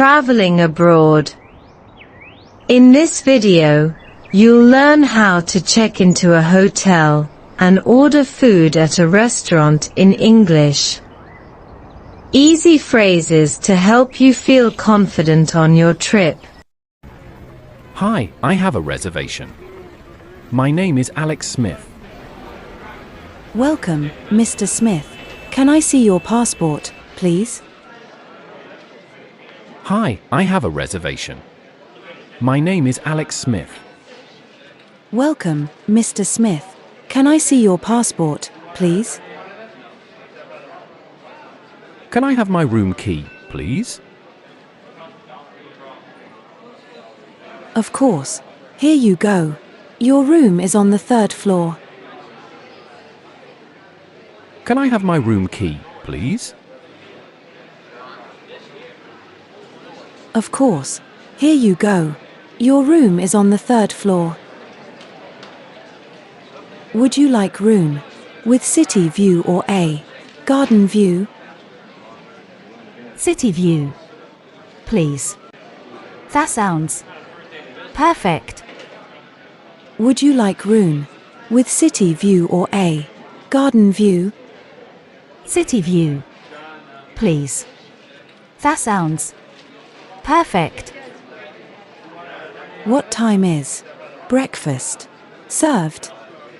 Traveling abroad. In this video, you'll learn how to check into a hotel and order food at a restaurant in English. Easy phrases to help you feel confident on your trip. Hi, I have a reservation. My name is Alex Smith. Welcome, Mr. Smith. Can I see your passport, please? Hi, I have a reservation. My name is Alex Smith. Welcome, Mr. Smith. Can I see your passport, please? Can I have my room key, please? Of course. Here you go. Your room is on the 3rd floor. Can I have my room key, please? Of course. Here you go. Your room is on the 3rd floor. Would you like room with city view or a garden view? City view, please. That sounds perfect. Would you like room with city view or a garden view? City view, please. That sounds perfect. What time is breakfast served?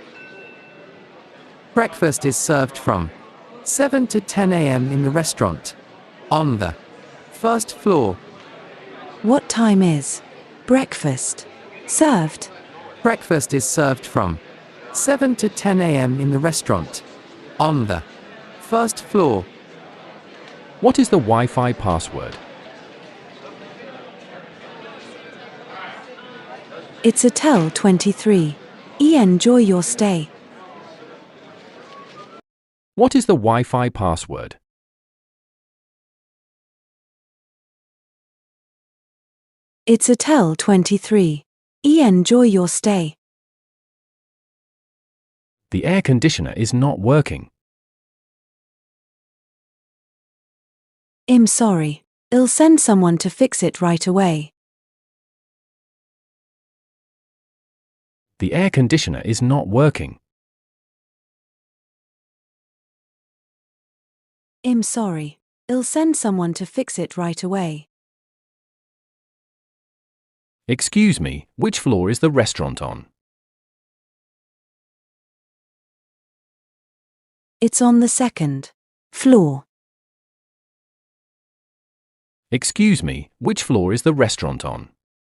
Breakfast is served from 7 to 10 a.m. in the restaurant on the 1st floor. What time is breakfast served? Breakfast is served from 7 to 10 a.m. in the restaurant on the 1st floor. What is the Wi-Fi password? It's Hotel 23. Enjoy your stay. What is the Wi-Fi password? It's Hotel 23. Enjoy your stay. The air conditioner is not working. I'm sorry. I'll send someone to fix it right away. The air conditioner is not working. I'm sorry. I'll send someone to fix it right away. Excuse me, which floor is the restaurant on? It's on the 2nd floor. Excuse me, which floor is the restaurant on?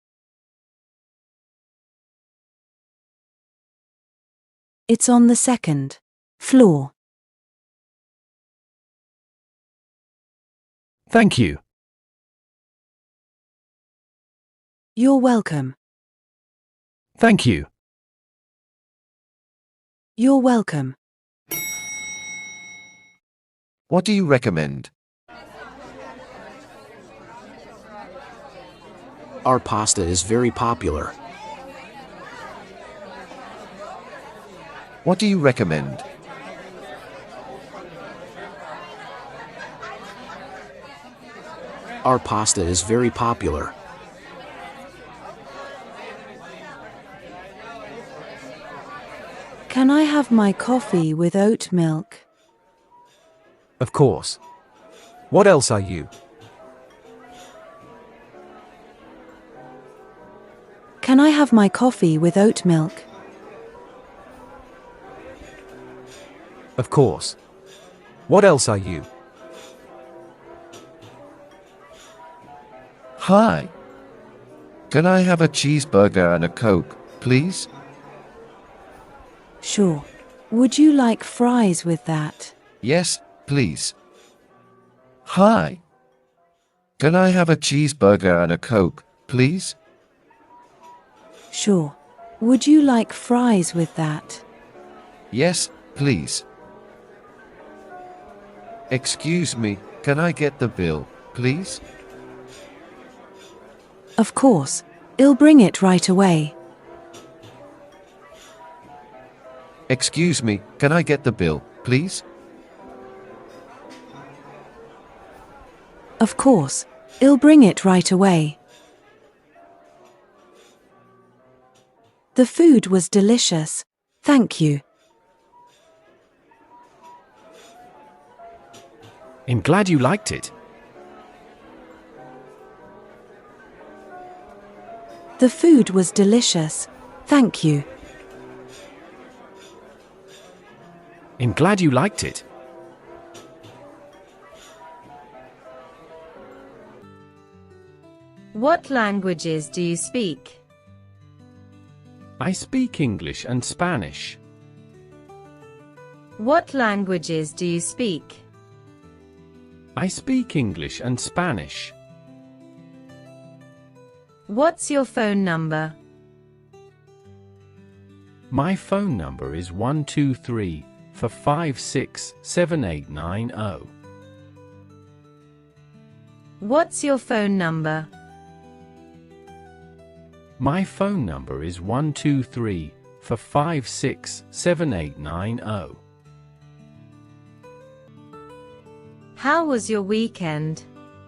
It's on the 2nd floor. Thank you. You're welcome. Thank you. You're welcome. What do you recommend? Our pasta is very popular. What do you recommend? Our pasta is very popular. Can I have my coffee with oat milk? Of course. What else are you? Can I have my coffee with oat milk? Of course. What else are you? Hi. Can I have a cheeseburger and a Coke, please? Sure. Would you like fries with that? Yes, please. Hi. Can I have a cheeseburger and a Coke, please? Sure. Would you like fries with that? Yes, please. Excuse me, can I get the bill, please? Of course. I'll bring it right away. Excuse me, can I get the bill, please? Of course. I'll bring it right away. The food was delicious. Thank you. I'm glad you liked it. The food was delicious. Thank you. I'm glad you liked it. What languages do you speak? I speak English and Spanish. What languages do you speak? I speak English and Spanish. What's your phone number? My phone number is 123-456-7890. What's your phone number? My phone number is 123-456-7890. How was your weekend?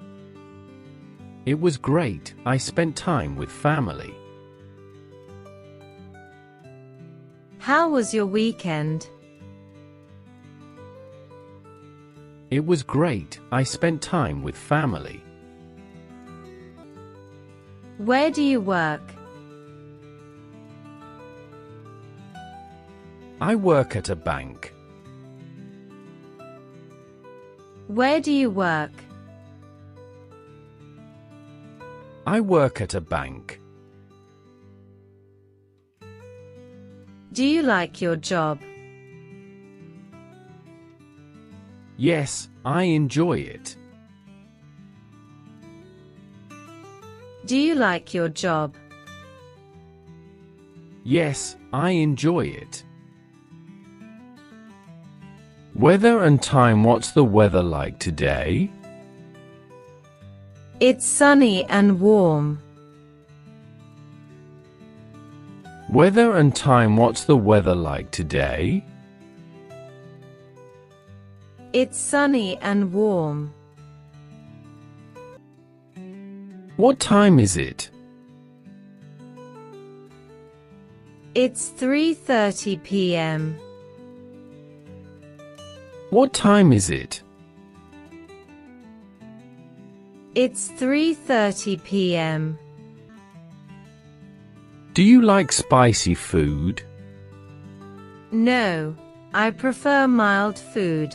It was great. I spent time with family. How was your weekend? It was great. I spent time with family. Where do you work? I work at a bank. Where do you work? I work at a bank. Do you like your job? Yes, I enjoy it. Do you like your job? Yes, I enjoy it. Weather and time. What's the weather like today? It's sunny and warm. Weather and time. What's the weather like today? It's sunny and warm. What time is it? It's 3:30 p.m. What time is it? It's 3:30 p.m. Do you like spicy food? No, I prefer mild food.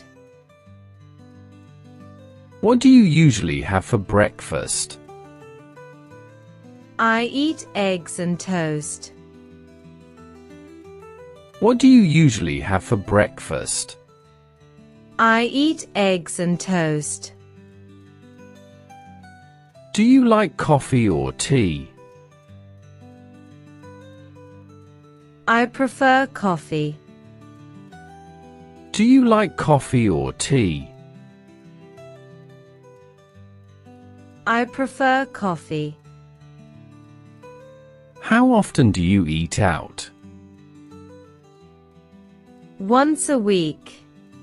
What do you usually have for breakfast? I eat eggs and toast. What do you usually have for breakfast? I eat eggs and toast. Do you like coffee or tea? I prefer coffee. Do you like coffee or tea? I prefer coffee. How often do you eat out? Once a week.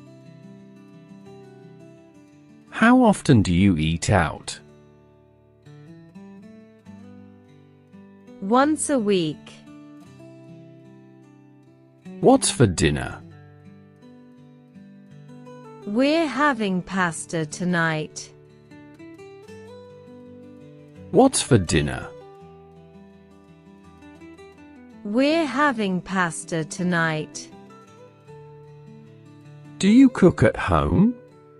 How often do you eat out? Once a week. What's for dinner? We're having pasta tonight. What's for dinner? We're having pasta tonight. Do you cook at home?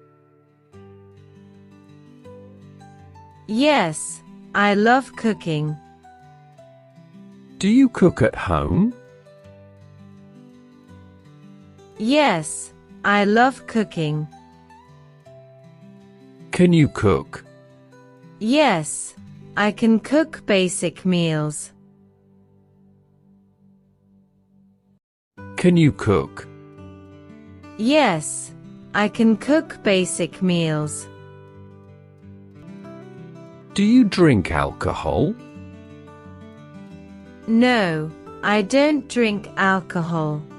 Yes, I love cooking. Do you cook at home? Yes, I love cooking. Can you cook? Yes, I can cook basic meals. Can you cook? Yes, I can cook basic meals. Do you drink alcohol? No, I don't drink alcohol.